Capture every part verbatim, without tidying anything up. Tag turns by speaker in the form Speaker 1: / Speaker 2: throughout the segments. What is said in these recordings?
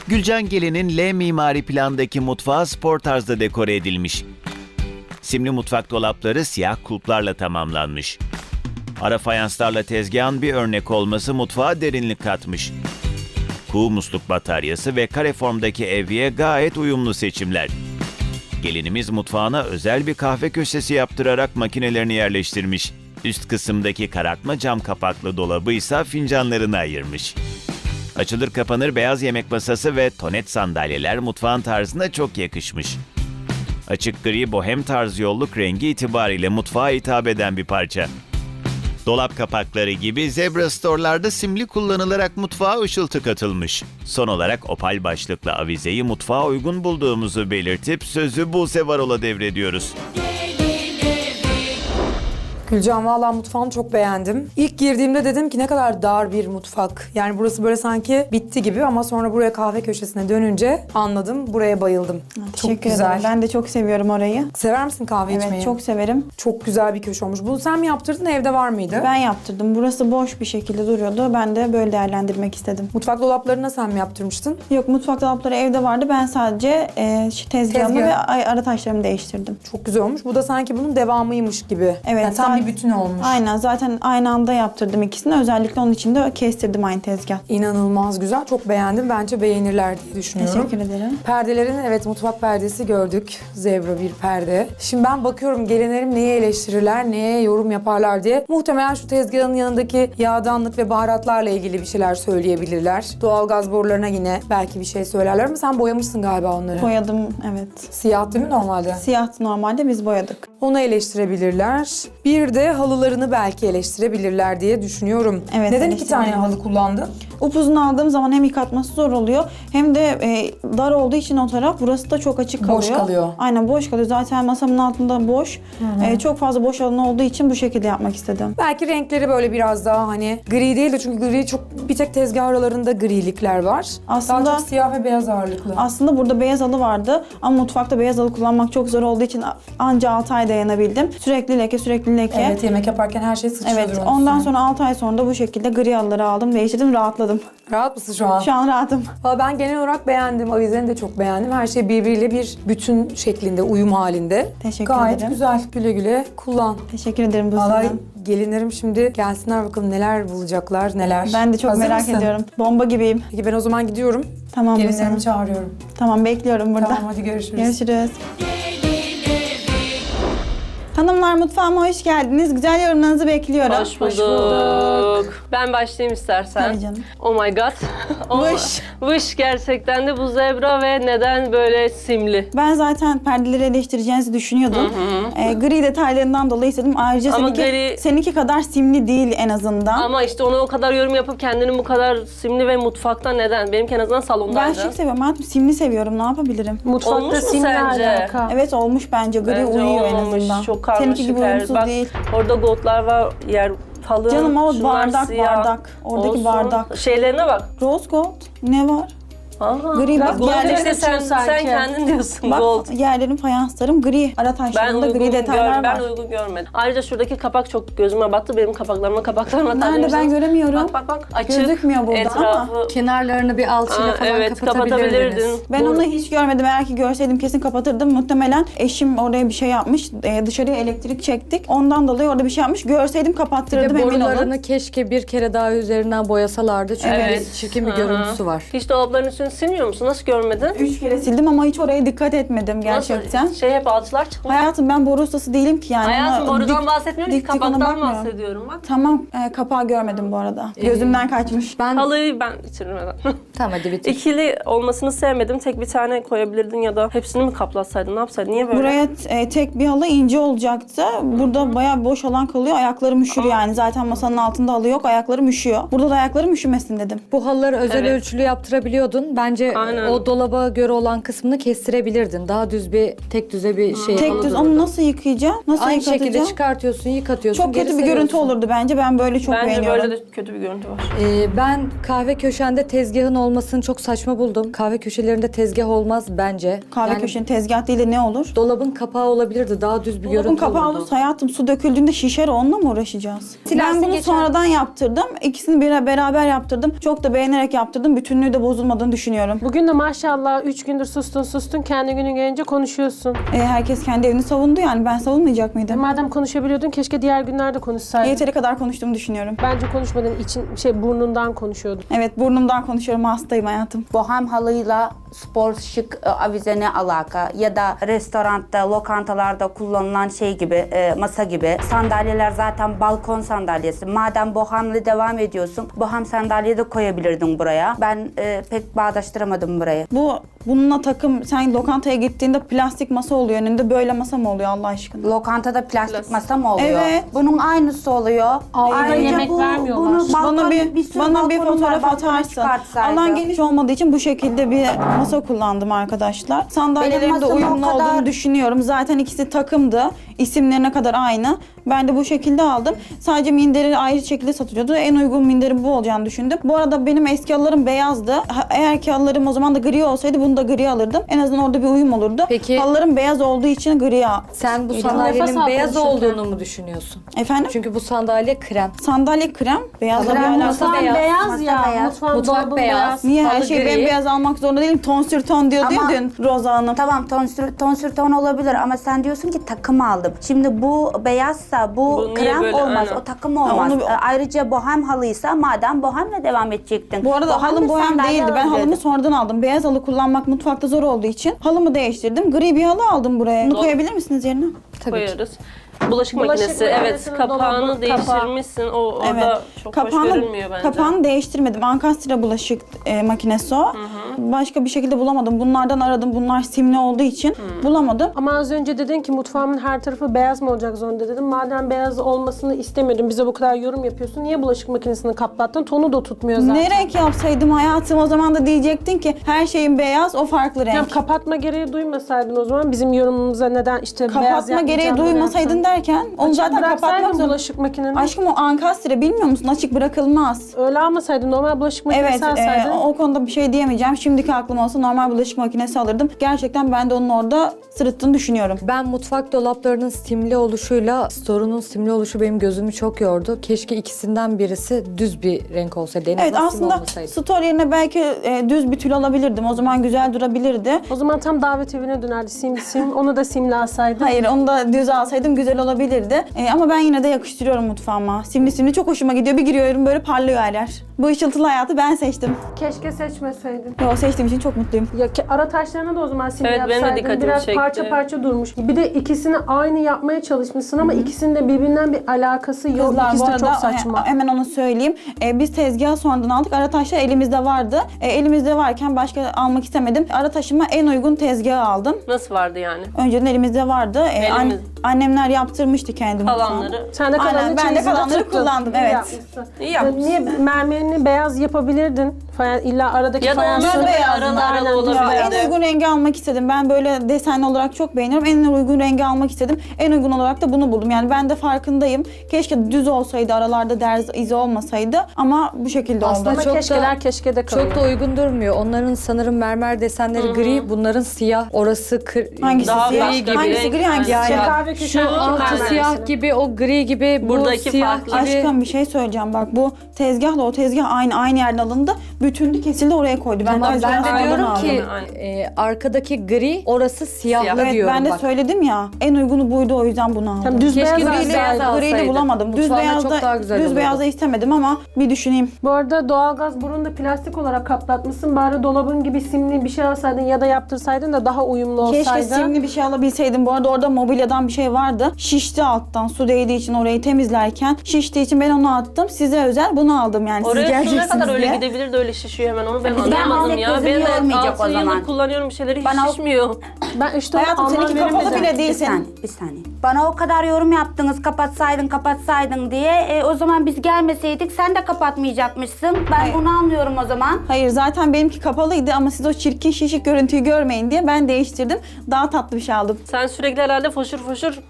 Speaker 1: Gülcan Gelin'in L mimari plandaki mutfağı spor tarzda dekore edilmiş. Simli mutfak dolapları siyah kulplarla tamamlanmış. Ara fayanslarla tezgahın bir örnek olması mutfağa derinlik katmış. Kuğu musluk bataryası ve kare formdaki evye gayet uyumlu seçimler. Gelinimiz mutfağına özel bir kahve köşesi yaptırarak makinelerini yerleştirmiş. Üst kısımdaki karartma cam kapaklı dolabı ise fincanlarını ayırmış. Açılır kapanır beyaz yemek masası ve tonet sandalyeler mutfağın tarzına çok yakışmış. Açık gri bohem tarz yolluk rengi itibariyle mutfağa hitap eden bir parça. Dolap kapakları gibi Zebra Store'larda simli kullanılarak mutfağa ışıltı katılmış. Son olarak opal başlıklı avizeyi mutfağa uygun bulduğumuzu belirtip sözü Buse Varol'a devrediyoruz.
Speaker 2: Gülcan, valla mutfağını çok beğendim. İlk girdiğimde dedim ki ne kadar dar bir mutfak. Yani burası böyle sanki bitti gibi ama sonra buraya kahve köşesine dönünce anladım. Buraya bayıldım.
Speaker 3: Teşekkür
Speaker 2: çok güzel.
Speaker 3: ederim. Ben de çok seviyorum orayı.
Speaker 2: Sever misin kahve
Speaker 3: Evet,
Speaker 2: içmeyi?
Speaker 3: çok severim.
Speaker 2: Çok güzel bir köşe olmuş. Bunu sen mi yaptırdın, evde var mıydı?
Speaker 3: Ben yaptırdım. Burası boş bir şekilde duruyordu. Ben de böyle değerlendirmek istedim.
Speaker 2: Mutfak dolaplarına sen mi yaptırmıştın?
Speaker 3: Yok, mutfak dolapları evde vardı. Ben sadece e, şu tezgahımı
Speaker 2: Tezgah.
Speaker 3: ve ay- ara taşlarımı değiştirdim.
Speaker 2: Çok güzel olmuş. Bu da sanki bunun devamıymış gibi.
Speaker 3: Evet,
Speaker 2: Yani tam
Speaker 3: zaten-
Speaker 2: bir bütün olmuş.
Speaker 3: Aynen, zaten aynı anda yaptırdım ikisini. Özellikle onun için de kestirdim aynı tezgah.
Speaker 2: İnanılmaz güzel. Çok beğendim. Bence beğenirler diye düşünüyorum.
Speaker 3: Teşekkür ederim.
Speaker 2: Perdelerin, evet, mutfak perdesi gördük. Zebra bir perde. Şimdi ben bakıyorum gelinlerim neyi eleştirirler, neye yorum yaparlar diye. Muhtemelen şu tezgahın yanındaki yağdanlık ve baharatlarla ilgili bir şeyler söyleyebilirler. Doğalgaz borularına yine belki bir şey söylerler ama sen boyamışsın galiba onları.
Speaker 3: Boyadım, evet.
Speaker 2: Siyah değil mi normalde?
Speaker 3: Siyah normalde, biz boyadık.
Speaker 2: Onu eleştirebilirler. Bir de halılarını belki eleştirebilirler diye düşünüyorum.
Speaker 3: Evet,
Speaker 2: Neden iki tane
Speaker 3: eleştirebilirler.
Speaker 2: halı kullandın?
Speaker 3: Upuzun aldığım zaman hem yıkatması zor oluyor hem de e, dar olduğu için o taraf, burası da çok açık kalıyor.
Speaker 2: Boş kalıyor.
Speaker 3: Aynen, boş kalıyor. Zaten masamın altında boş. E, çok fazla boş alan olduğu için bu şekilde yapmak istedim.
Speaker 2: Belki renkleri böyle biraz daha hani gri değil de, çünkü gri çok, bir tek tezgah aralarında grilikler var.
Speaker 3: Aslında-
Speaker 2: Daha çok siyah ve beyaz ağırlıklı.
Speaker 3: Aslında burada beyaz halı vardı ama mutfakta beyaz halı kullanmak çok zor olduğu için anca altı ay dayanabildim. Sürekli leke, sürekli leke.
Speaker 2: Evet, yemek yaparken her şey sıçrıyordur.
Speaker 3: Evet,
Speaker 2: onun
Speaker 3: ondan
Speaker 2: üstüne.
Speaker 3: sonra altı ay sonra da bu şekilde gri halıları aldım, değiştirdim, rahatladım.
Speaker 2: Rahat mısın şu an?
Speaker 3: Şu an rahatım.
Speaker 2: Valla ben genel olarak beğendim. Avizeni de çok beğendim. Her şey birbiriyle bir bütün şeklinde, uyum halinde.
Speaker 3: Teşekkür
Speaker 2: Gayet
Speaker 3: ederim.
Speaker 2: güzel. Güle güle kullan.
Speaker 3: Teşekkür ederim bu
Speaker 2: Vallahi
Speaker 3: sizden.
Speaker 2: gelinlerim şimdi gelsinler bakalım neler bulacaklar, neler.
Speaker 3: Ben de çok
Speaker 2: Hazır
Speaker 3: merak
Speaker 2: mısın?
Speaker 3: ediyorum. Bomba gibiyim.
Speaker 2: Peki ben o zaman gidiyorum.
Speaker 3: Tamam,
Speaker 2: Gelinlerimi
Speaker 3: Buse.
Speaker 2: çağırıyorum.
Speaker 3: Tamam, bekliyorum burada.
Speaker 2: Tamam, hadi görüşürüz.
Speaker 3: Görüşürüz. Hanımlar, mutfağıma hoş geldiniz. Güzel yorumlarınızı bekliyorum.
Speaker 4: Hoş bulduk. Ben başlayayım istersen.
Speaker 3: Tabii canım.
Speaker 4: Oh my god. Oh,
Speaker 3: Vış.
Speaker 4: Vış gerçekten de bu zebra ve neden böyle simli?
Speaker 3: Ben zaten perdeleri eleştireceğinizi düşünüyordum. Ee, gri detaylarından dolayı istedim. Ayrıca
Speaker 4: Ama
Speaker 3: seninki,
Speaker 4: gri-
Speaker 3: seninki kadar simli değil en azından.
Speaker 4: Ama işte ona o kadar yorum yapıp kendini bu kadar simli ve mutfakta neden? Benimki en azından
Speaker 3: Ben
Speaker 4: salondaydı.
Speaker 3: şık seviyorum. Hayatım, simli seviyorum. Ne yapabilirim?
Speaker 4: Olmuş mu sence?
Speaker 3: Evet, olmuş bence. Gri
Speaker 4: Bence
Speaker 3: uyuyor en
Speaker 4: olmamış.
Speaker 3: azından.
Speaker 4: Çok karmaşık
Speaker 3: Seninki gibi
Speaker 4: her-
Speaker 3: uyumsuz
Speaker 4: Bak,
Speaker 3: değil.
Speaker 4: orada goldlar var, yer halı.
Speaker 3: Canım, o
Speaker 4: şunlar
Speaker 3: bardak,
Speaker 4: siyah.
Speaker 3: bardak. Oradaki
Speaker 4: Olsun.
Speaker 3: bardak.
Speaker 4: Şeylerine bak.
Speaker 3: Rose gold. Ne var?
Speaker 4: Aha.
Speaker 3: Gri bak,
Speaker 4: Gold
Speaker 3: yerleri
Speaker 4: işte sen,
Speaker 5: sanki.
Speaker 4: sen kendin diyorsun
Speaker 3: Bak,
Speaker 4: gold.
Speaker 3: yerlerin fayanslarım gri. Ara
Speaker 4: Ben
Speaker 3: taşlarında
Speaker 4: uygun,
Speaker 3: gri detaylar
Speaker 4: gör, ben
Speaker 3: var.
Speaker 4: uygun görmedim. Ayrıca şuradaki kapak çok gözüme battı. Benim kapaklarıma kapaklarıma
Speaker 3: Nerede, ben
Speaker 4: takmışsınız.
Speaker 3: göremiyorum.
Speaker 4: Bak bak bak açık.
Speaker 3: Gözükmüyor burada
Speaker 4: Etrafı.
Speaker 3: ama.
Speaker 5: Kenarlarını bir alçıyla
Speaker 4: Aa,
Speaker 5: falan
Speaker 4: evet,
Speaker 5: kapatabilirdiniz.
Speaker 4: kapatabilirdin.
Speaker 3: Ben
Speaker 4: Bu-
Speaker 3: onu hiç görmedim. Eğer ki görseydim kesin kapatırdım. Muhtemelen eşim oraya bir şey yapmış. Ee, dışarıya elektrik çektik. Ondan dolayı orada bir şey yapmış. Görseydim
Speaker 5: Bir de
Speaker 3: kapattırırdım, emin olun.
Speaker 5: borularını keşke bir kere daha üzerinden boyasalardı. Çünkü
Speaker 4: Evet.
Speaker 5: çirkin bir
Speaker 4: Hı hı.
Speaker 5: görüntüsü var.
Speaker 4: Hiç dolapların üstünü silmiyor musun? Nasıl görmedin?
Speaker 3: Üç kere sildim ama hiç oraya dikkat etmedim gerçekten.
Speaker 4: Nasıl? Şey hep alçılar çıkmış.
Speaker 3: Hayatım, ben boru ustası değilim ki yani.
Speaker 4: Hayatım
Speaker 3: Ona
Speaker 4: borudan
Speaker 3: dik-
Speaker 4: bahsetmiyorum ki
Speaker 3: dik dik ona
Speaker 4: kapaktan
Speaker 3: bakmıyorum.
Speaker 4: bahsediyorum bak.
Speaker 3: Tamam, e, kapağı görmedim bu arada. Gözümden kaçmış.
Speaker 5: Ben
Speaker 4: Halıyı ben bitirmeden.
Speaker 5: tamam hadi bitir.
Speaker 4: İkili olmasını sevmedim. Tek bir tane koyabilirdin ya da hepsini mi kaplatsaydın? Ne yapsaydın? Niye böyle?
Speaker 3: Buraya e, tek bir halı ince olacaktı. Burada bayağı bir boş alan kalıyor. Ayaklarım üşür yani. Zaten masanın altında halı yok. Ayaklarım üşüyor. Burada da ayaklarım üşümesin dedim.
Speaker 5: Bu halıları özel
Speaker 4: Evet.
Speaker 5: ölçülü yaptırabiliyordun. Bence
Speaker 4: Aynen.
Speaker 5: o dolaba göre olan kısmını kestirebilirdin. Daha düz bir, tek düze bir şey.
Speaker 3: Tek düz, onu nasıl yıkayacağım? Nasıl
Speaker 5: Aynı
Speaker 3: yıkatacağım?
Speaker 5: şekilde çıkartıyorsun, yıkatıyorsun.
Speaker 3: Çok
Speaker 5: geri
Speaker 3: kötü bir görüntü
Speaker 5: seriyorsun.
Speaker 3: olurdu bence. Ben böyle çok
Speaker 4: Bence
Speaker 3: beğeniyorum.
Speaker 4: böyle de kötü bir görüntü var.
Speaker 5: Ee, ben kahve köşende tezgahın olmasını çok saçma buldum. Kahve köşelerinde tezgah olmaz bence.
Speaker 3: Kahve
Speaker 5: Yani
Speaker 3: köşenin tezgah değil de ne olur?
Speaker 5: dolabın kapağı olabilirdi. Daha düz bir
Speaker 3: Dolabın
Speaker 5: görüntü
Speaker 3: kapağı
Speaker 5: olurdu.
Speaker 3: olursa hayatım, su döküldüğünde şişer, onunla mı uğraşacağız?
Speaker 5: Silersin,
Speaker 3: ben bunu
Speaker 5: geçer.
Speaker 3: sonradan yaptırdım. İkisini bir beraber yaptırdım. Çok da beğenerek yaptırdım. Bütünlüğü de bozulmadığını düşünüyorum. düşünüyorum.
Speaker 6: Bugün de maşallah üç gündür sustun sustun kendi günün gelince konuşuyorsun.
Speaker 3: E, herkes kendi evini savundu yani ben savunmayacak mıydım?
Speaker 6: Madem konuşabiliyordun keşke diğer günlerde konuşsaydın.
Speaker 3: Yeteri kadar konuştuğumu düşünüyorum.
Speaker 6: Bence konuşmadın için şey burnundan konuşuyordun.
Speaker 3: Evet burnumdan konuşuyorum, hastayım hayatım.
Speaker 7: Bohem halıyla spor şık e, avize ne alaka? Ya da restoranda, lokantalarda kullanılan şey gibi, e, masa gibi. Sandalyeler zaten balkon sandalyesi. Madem bohemle devam ediyorsun, bohem sandalye de koyabilirdin buraya. Ben e, pek bağdaştıramadım burayı.
Speaker 3: Bu bununla takım, sen lokantaya gittiğinde plastik masa oluyor önünde, böyle masa mı oluyor Allah aşkına?
Speaker 7: Lokantada plastik masa mı oluyor?
Speaker 3: Evet.
Speaker 7: Bunun aynısı oluyor.
Speaker 6: Ayrıca yemek vermiyorlar.
Speaker 7: Bunu balkon,
Speaker 3: Bana bir,
Speaker 7: sürü
Speaker 3: bana bir
Speaker 7: balkonum var,
Speaker 3: fotoğraf
Speaker 7: balkona
Speaker 3: atarsın.
Speaker 7: çıkartsaydı.
Speaker 3: Alan geniş olmadığı için bu şekilde bir masa kullandım arkadaşlar. Sandalyelerin de
Speaker 7: masam o
Speaker 3: uyumlu
Speaker 7: kadar-
Speaker 3: olduğunu düşünüyorum. Zaten ikisi takımdı. İsimlerine kadar aynı. Ben de bu şekilde aldım. Sadece minderi ayrı şekilde satılıyordu. En uygun minderi bu olacağını düşündüm. Bu arada benim eski halılarım beyazdı. Ha- Eğer ki halılarım o zaman da gri olsaydı bunu da gri alırdım. En azından orada bir uyum olurdu.
Speaker 5: Peki-
Speaker 3: Halılarım beyaz olduğu için gri al.
Speaker 5: Sen bu
Speaker 6: Nefes
Speaker 5: sandalyenin
Speaker 6: al
Speaker 5: beyaz
Speaker 6: konuşurken.
Speaker 5: olduğunu mu düşünüyorsun?
Speaker 3: Efendim?
Speaker 5: Çünkü bu sandalye krem.
Speaker 3: Sandalye krem. Beyazla bir
Speaker 7: Krem
Speaker 3: alakası.
Speaker 5: masa
Speaker 6: Mutfağın
Speaker 5: beyaz.
Speaker 6: beyaz,
Speaker 7: Masa
Speaker 6: ya.
Speaker 7: beyaz.
Speaker 6: Mutfağın
Speaker 5: Mutfak
Speaker 6: dolabın
Speaker 5: beyaz.
Speaker 3: Niye her
Speaker 5: Halı
Speaker 3: şeyi
Speaker 5: gri.
Speaker 3: bembeyaz almak zorunda değilim? Ton sür ton diyordu
Speaker 7: Ama-
Speaker 3: ya dün Roza Hanım.
Speaker 7: Tamam ton sür, ton sür ton olabilir ama sen diyorsun ki takım aldım. Şimdi bu beyazsa bu,
Speaker 4: Bu niye
Speaker 7: krem
Speaker 4: böyle?
Speaker 7: olmaz,
Speaker 4: Aynen.
Speaker 7: o takım olmaz.
Speaker 3: onu bir-
Speaker 7: Ee, Ayrıca bohem halıysa madem bohemle devam edecektin.
Speaker 3: Bu arada
Speaker 7: Bohemli
Speaker 3: halım bohem
Speaker 7: sandalye
Speaker 3: değildi. Ben
Speaker 7: alabilirdin.
Speaker 3: halımı sonradan aldım. Beyaz halı kullanmak mutfakta zor olduğu için halımı değiştirdim. Gri bir halı aldım buraya. Bunu koyabilir misiniz yerine?
Speaker 5: Tabii ki.
Speaker 4: Koyarız. Bulaşık,
Speaker 6: Bulaşık
Speaker 4: makinesi, evet.
Speaker 6: makinesinin
Speaker 4: Kapağını
Speaker 6: dolabı,
Speaker 4: değiştirmişsin. O orada
Speaker 3: Evet.
Speaker 4: çok hoş görünmüyor bence.
Speaker 3: kapağını değiştirmedim. Ankastre bulaşık e, makinesi o. Başka bir şekilde bulamadım. Bunlardan aradım. Bunlar simli olduğu için bulamadım.
Speaker 6: Ama az önce dedin ki mutfağımın her tarafı beyaz mı olacak zorunda dedim. Madem beyaz olmasını istemiyordun, bize bu kadar yorum yapıyorsun. Niye bulaşık makinesini kaplattın? Tonu da tutmuyor zaten.
Speaker 3: Ne renk yapsaydım hayatım, o zaman da diyecektin ki her şeyin beyaz, o farklı renk.
Speaker 6: Ya kapatma gereği duymasaydın o zaman bizim yorumumuza neden işte beyaz
Speaker 3: Kapatma gereği
Speaker 6: yapmayacağım
Speaker 3: duymasaydın
Speaker 6: dersen.
Speaker 3: derken onu
Speaker 6: Açık
Speaker 3: zaten
Speaker 6: bıraksaydın
Speaker 3: kapatmak zorunda.
Speaker 6: bulaşık makineni.
Speaker 3: Aşkım o ankastre bilmiyor musun? Açık bırakılmaz.
Speaker 6: Öyle almasaydın, normal bulaşık makinesi
Speaker 3: Evet,
Speaker 6: alsaydın.
Speaker 3: e, o konuda bir şey diyemeyeceğim. Şimdiki aklım olsa normal bulaşık makinesi alırdım. Gerçekten ben de onun orada sırıttığını düşünüyorum.
Speaker 5: Ben mutfak dolaplarının simli oluşuyla store'un simli oluşu benim gözümü çok yordu. Keşke ikisinden birisi düz bir renk olsaydı. En
Speaker 3: Evet,
Speaker 5: azından sim
Speaker 3: aslında
Speaker 5: olmasaydı.
Speaker 3: store yerine belki e, düz bir tül alabilirdim. O zaman güzel durabilirdi.
Speaker 6: O zaman tam davet evine dönerdi sim sim. Onu da simli alsaydın.
Speaker 3: Hayır, onu da düz alsaydım güzel olabilirdi. E, ama ben yine de yakıştırıyorum mutfağıma. Simli simli çok hoşuma gidiyor. Bir giriyorum böyle parlıyor her yer. Bu ışıltılı hayatı ben seçtim.
Speaker 6: Keşke seçmeseydin.
Speaker 3: Yo, seçtiğim için çok mutluyum.
Speaker 6: Ya ki ara taşlarına da o zaman simli
Speaker 4: Evet, benim de
Speaker 6: yapsaydın.
Speaker 4: dikkatimi
Speaker 6: Biraz
Speaker 4: çekti.
Speaker 6: parça parça durmuş. Bir de ikisini aynı yapmaya çalışmışsın ama ikisinin de birbirinden bir alakası yok.
Speaker 3: Kızlar,
Speaker 6: İkisi
Speaker 3: bu
Speaker 6: de
Speaker 3: arada
Speaker 6: çok saçma.
Speaker 3: he- hemen onu söyleyeyim. Ee, biz tezgahı sonradan aldık. Ara taşlar elimizde vardı. Ee, elimizde varken başka almak istemedim. Ara taşıma en uygun tezgahı aldım.
Speaker 4: Nasıl vardı yani?
Speaker 3: Önceden elimizde vardı. Ee, an-
Speaker 4: Elimiz-
Speaker 3: annemler yaptırmıştı kendi mutfağını.
Speaker 4: Kalanları.
Speaker 6: Sen de
Speaker 3: Aynen,
Speaker 6: kalanını
Speaker 3: ben de
Speaker 6: çeyizinde
Speaker 3: kalanları
Speaker 6: tuttun.
Speaker 3: kullandım,
Speaker 6: İyi
Speaker 3: evet.
Speaker 6: yapmışsın.
Speaker 4: İyi yapmışsın.
Speaker 6: Niye mermerini beyaz yapabilirdin? Faya, illa aradaki
Speaker 4: Ya da
Speaker 6: fayansı
Speaker 4: onlar da
Speaker 3: beyaz,
Speaker 4: aralı
Speaker 6: aynen,
Speaker 4: aralı
Speaker 3: Ya,
Speaker 4: olabilirdi.
Speaker 3: en uygun rengi almak istedim. Ben böyle desenli olarak çok beğeniyorum. En uygun rengi almak istedim. En uygun olarak da bunu buldum. Yani ben de farkındayım. Keşke düz olsaydı, aralarda derz izi olmasaydı. Ama bu şekilde
Speaker 5: Aslında
Speaker 3: oldu.
Speaker 6: Ama
Speaker 5: çok
Speaker 6: keşkeler
Speaker 5: da-
Speaker 6: keşke de kalıyor.
Speaker 5: Çok da uygun durmuyor. Onların sanırım mermer desenleri gri, bunların siyah. Orası kır...
Speaker 3: Hangisi
Speaker 4: Daha
Speaker 3: siyah?
Speaker 4: başka bir
Speaker 3: Hangisi
Speaker 4: renk.
Speaker 3: gri, hangisi
Speaker 4: Yani
Speaker 3: siyah?
Speaker 6: Kahve
Speaker 5: Şu
Speaker 6: köşesi
Speaker 5: altı
Speaker 6: mermer
Speaker 5: siyah
Speaker 6: mesela.
Speaker 5: gibi, o gri gibi, bu
Speaker 4: Buradaki
Speaker 5: siyah
Speaker 4: farklı.
Speaker 5: gibi.
Speaker 3: Aşkım bir şey söyleyeceğim bak, bu tezgahla o tezgah aynı aynı yerden alındı. Bütünlü kesildi, oraya koydu. Ben,
Speaker 5: Tamam,
Speaker 3: de,
Speaker 5: ben de
Speaker 3: oradan
Speaker 5: diyorum
Speaker 3: aldım.
Speaker 5: ki
Speaker 4: Aynen.
Speaker 5: e, arkadaki gri, orası siyahlı
Speaker 4: Siyah.
Speaker 3: Evet,
Speaker 5: diyorum
Speaker 3: ben de
Speaker 5: bak.
Speaker 3: söyledim ya. En uygunu buydu, o yüzden bunu aldım.
Speaker 6: Tam düz
Speaker 5: Keşke
Speaker 6: beyaz
Speaker 5: düz
Speaker 6: alsaydın.
Speaker 5: beyaz
Speaker 3: Griyi de
Speaker 5: alsaydın.
Speaker 3: bulamadım. Düz
Speaker 5: Mutfağına çok daha
Speaker 3: beyazda
Speaker 5: güzel
Speaker 3: düz
Speaker 5: olurdu.
Speaker 3: beyazda istemedim ama bir düşüneyim.
Speaker 6: Bu arada doğalgaz burunu da plastik olarak kaplatmışsın. Bari dolabın gibi simli bir şey alsaydın ya da yaptırsaydın da daha uyumlu olsaydı.
Speaker 3: Keşke simli bir şey alabilseydim. Bu arada orada mobilyadan bir şey vardı. Şişti alttan. Su değdiği için orayı temizlerken. Şiştiği için ben onu attım. Size özel bunu aldım yani. Siz
Speaker 4: Oraya su ne
Speaker 3: geleceksiniz
Speaker 4: kadar öyle
Speaker 3: diye.
Speaker 4: gidebilir de öyle şişiyor hemen, onu ben
Speaker 7: Ben
Speaker 4: anlamadım
Speaker 7: alsak
Speaker 4: ya.
Speaker 7: gözüm
Speaker 4: Benim de
Speaker 7: yormayacak o
Speaker 4: altı
Speaker 7: zaman.
Speaker 4: yıldır kullanıyorum bir şeyleri, hiç
Speaker 7: Bana o-
Speaker 4: şişmiyor.
Speaker 6: Ben işte
Speaker 3: Hayatım,
Speaker 6: anlam
Speaker 3: seninki kapalı
Speaker 6: veremedim.
Speaker 3: bile değil
Speaker 7: Bir
Speaker 3: senin.
Speaker 7: saniye, bir saniye. Bana o kadar yorum yaptınız, kapatsaydın, kapatsaydın diye. E, o zaman biz gelmeseydik sen de kapatmayacakmışsın. Ben
Speaker 3: Hayır.
Speaker 7: bunu anlıyorum o zaman.
Speaker 3: Hayır, zaten benimki kapalıydı ama siz o çirkin şişik görüntüyü görmeyin diye ben değiştirdim. Daha tatlı bir şey aldım.
Speaker 4: Sen sürekli herhalde foşur foşur mus şey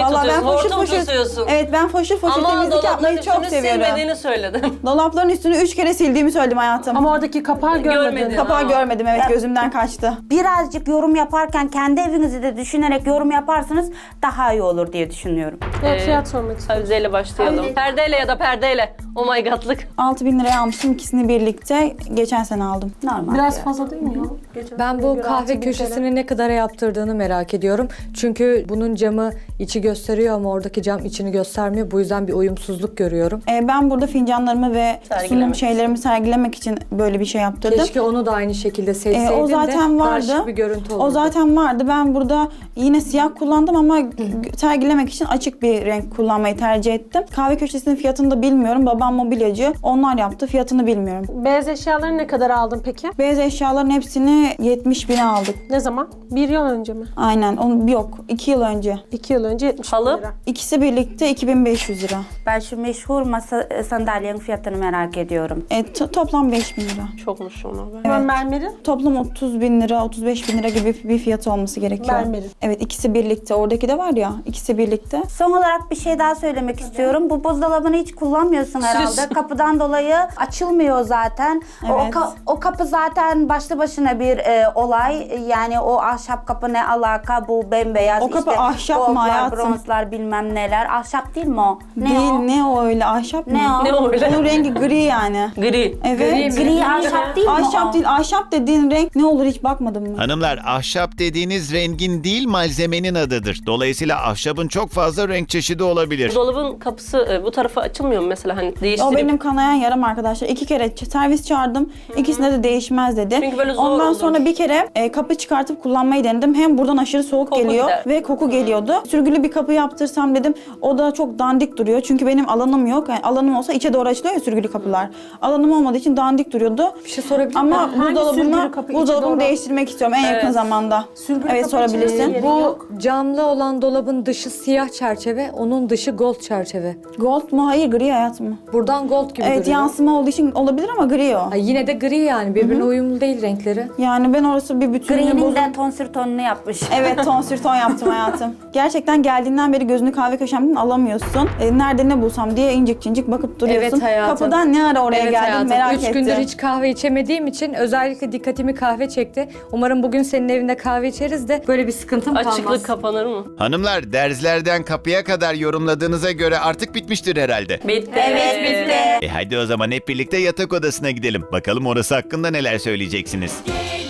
Speaker 3: Vallahi ben
Speaker 8: tutuyorsun,
Speaker 3: foşur
Speaker 8: hortum
Speaker 3: foşur.
Speaker 8: tutuyorsun.
Speaker 3: Evet ben foşur foşur
Speaker 8: Ama
Speaker 3: temizlik
Speaker 8: dolapların
Speaker 3: yapmayı çok
Speaker 8: üstünü
Speaker 3: seviyorum.
Speaker 8: silmediğini söyledim.
Speaker 3: Dolapların üstünü üç kere sildiğimi söyledim hayatım.
Speaker 6: Ama oradaki kapağı görmedin.
Speaker 8: Görmedim.
Speaker 3: Kapağı
Speaker 8: Ama-
Speaker 3: görmedim, evet, gözümden kaçtı.
Speaker 7: Birazcık yorum yaparken kendi evinizi de düşünerek yorum yaparsanız daha iyi olur diye düşünüyorum.
Speaker 6: Evet, fiyat sormak istiyorum.
Speaker 4: Avizeyle başlayalım. Perdeyle ya da perdeyle. Oh my god'lık.
Speaker 3: altı bin liraya almıştım ikisini birlikte. Geçen sene aldım.
Speaker 7: Normal.
Speaker 6: Biraz
Speaker 7: fiyat.
Speaker 6: fazla değil mi ya? Geçen
Speaker 5: Ben
Speaker 6: seneye
Speaker 5: bu
Speaker 6: göre
Speaker 5: kahve
Speaker 6: altı bin T L.
Speaker 5: köşesini ne kadara yaptırdığını merak ediyorum. Çünkü bunun camı içi gösteriyor ama oradaki cam içini göstermiyor. Bu yüzden bir uyumsuzluk görüyorum.
Speaker 3: Ee, ben burada fincanlarımı ve sunum
Speaker 4: Sergilemek
Speaker 3: şeylerimi sergilemek için böyle bir şey yaptırdım.
Speaker 5: Keşke onu da aynı şekilde
Speaker 3: Ee,
Speaker 5: seçseydin
Speaker 3: o zaten
Speaker 5: de daha
Speaker 3: vardı.
Speaker 5: şık bir görüntü olurdu.
Speaker 3: O zaten vardı. Ben burada yine siyah kullandım ama sergilemek için açık bir renk kullanmayı tercih ettim. Kahve köşesinin fiyatını da bilmiyorum. Babam mobilyacı. Onlar yaptı. Fiyatını bilmiyorum.
Speaker 6: Beyaz eşyaları ne kadar aldın peki?
Speaker 3: Beyaz eşyaların hepsini yetmiş bine aldık.
Speaker 6: Ne zaman? Bir yıl önce mi?
Speaker 3: Aynen. Onu yok. iki yıl önce.
Speaker 6: İki yıl önce yetmiş bin
Speaker 4: Halı?
Speaker 6: lira.
Speaker 3: İkisi birlikte iki bin beş yüz lira.
Speaker 7: Ben şu meşhur masa sandalyenin fiyatını merak ediyorum.
Speaker 3: E, to- toplam beş bin lira.
Speaker 4: Çokmuş ona be.
Speaker 6: Evet. Mermeri?
Speaker 3: Toplam otuz bin lira, otuz beş bin lira gibi bir fiyatı olması gerekiyor.
Speaker 6: Mermeri.
Speaker 3: Evet, ikisi birlikte. Oradaki de var ya, ikisi birlikte.
Speaker 7: Son olarak bir şey daha söylemek istiyorum. Bu buzdolabını hiç kullanmıyorsun herhalde. Kapıdan dolayı açılmıyor zaten. O,
Speaker 3: Evet.
Speaker 7: ka- o kapı zaten başlı başına bir e, olay. Yani o ahşap kapı ne alaka? Bu bembeyaz
Speaker 3: O kapı
Speaker 7: işte
Speaker 3: ahşap mı
Speaker 7: goldlar,
Speaker 3: hayatım?
Speaker 7: bronzlar bilmem neler. Ahşap değil mi o? Ne
Speaker 3: Değil,
Speaker 7: o?
Speaker 3: ne o öyle? Ahşap mı?
Speaker 7: Ne o?
Speaker 4: Ne o öyle?
Speaker 3: Onun rengi gri yani.
Speaker 4: Gri.
Speaker 3: Evet.
Speaker 7: Gri ahşap değil mi o?
Speaker 3: Ahşap değil. Ahşap dediğin renk ne olur hiç bakmadım mı?
Speaker 1: Hanımlar, ahşap dediğiniz rengin değil malzemenin adıdır. Dolayısıyla ahşabın çok fazla renk çeşidi olabilir.
Speaker 4: Bu dolabın kapısı e, bu tarafa açılmıyor mu mesela hani
Speaker 3: O
Speaker 4: değiştirip?
Speaker 3: benim kanayan yaram arkadaşlar. İki kere ç- servis çağırdım. İkisinde de değişmez dedi.
Speaker 4: Çünkü böyle zor
Speaker 3: Ondan
Speaker 4: olur.
Speaker 3: sonra bir kere e, kapı çıkartıp kullanmayı denedim. Hem buradan aşırı soğuk
Speaker 4: Koku
Speaker 3: geliyor
Speaker 4: gider.
Speaker 3: ve koku geliyordu. Sürgülü bir kapı yaptırsam dedim. O da çok dandik duruyor. Çünkü benim alanım yok. Yani alanım olsa içe doğru açılıyor ya sürgülü kapılar. Alanım olmadığı için dandik duruyordu.
Speaker 5: Bir şey sorabilir
Speaker 3: Ama
Speaker 6: Hangi sürgülü
Speaker 3: buzdolabını,
Speaker 6: kapı içe
Speaker 3: buzdolabını
Speaker 6: doğru?
Speaker 3: değiştirmek istiyorum en yakın zamanda.
Speaker 6: Sürgülü
Speaker 3: evet
Speaker 6: kapı içe
Speaker 3: sorabilirsin.
Speaker 6: yeri
Speaker 5: Bu
Speaker 6: yok.
Speaker 5: camlı olan dolabın dışı siyah çerçeve, onun dışı gold çerçeve.
Speaker 3: Gold mu? Hayır, gri hayatım mı?
Speaker 5: Buradan gold gibi
Speaker 3: Evet,
Speaker 5: duruyor.
Speaker 3: yansıma olduğu için olabilir ama gri o.
Speaker 5: Ay, yine de gri yani, birbirine uyumlu değil renkleri.
Speaker 3: Yani ben orası bir bütünlüğü
Speaker 7: Gri'nin
Speaker 3: bozuldu.
Speaker 7: de tonsür tonunu yapmış.
Speaker 3: Evet, ton sür ton yaptım hayatım. Gerçekten geldiğinden beri gözünü kahve köşemden alamıyorsun. E, nerede ne bulsam diye incik incik bakıp duruyorsun.
Speaker 5: Evet hayatım.
Speaker 3: Kapıdan ne ara oraya
Speaker 5: Evet
Speaker 3: geldin
Speaker 5: hayatım.
Speaker 3: merak
Speaker 5: Üç
Speaker 3: ettim.
Speaker 5: gündür hiç kahve içemediğim için özellikle dikkatimi kahve çekti. Umarım bugün senin evinde kahve içeriz de böyle bir sıkıntım kalmaz.
Speaker 4: Açıklık kapanır mı?
Speaker 1: Hanımlar, derzlerden kapıya kadar yorumladığınıza göre artık bitmiştir herhalde.
Speaker 4: Bitti.
Speaker 7: Evet bitti.
Speaker 1: E hadi o zaman hep birlikte yatak odasına gidelim. Bakalım orası hakkında neler söyleyeceksiniz.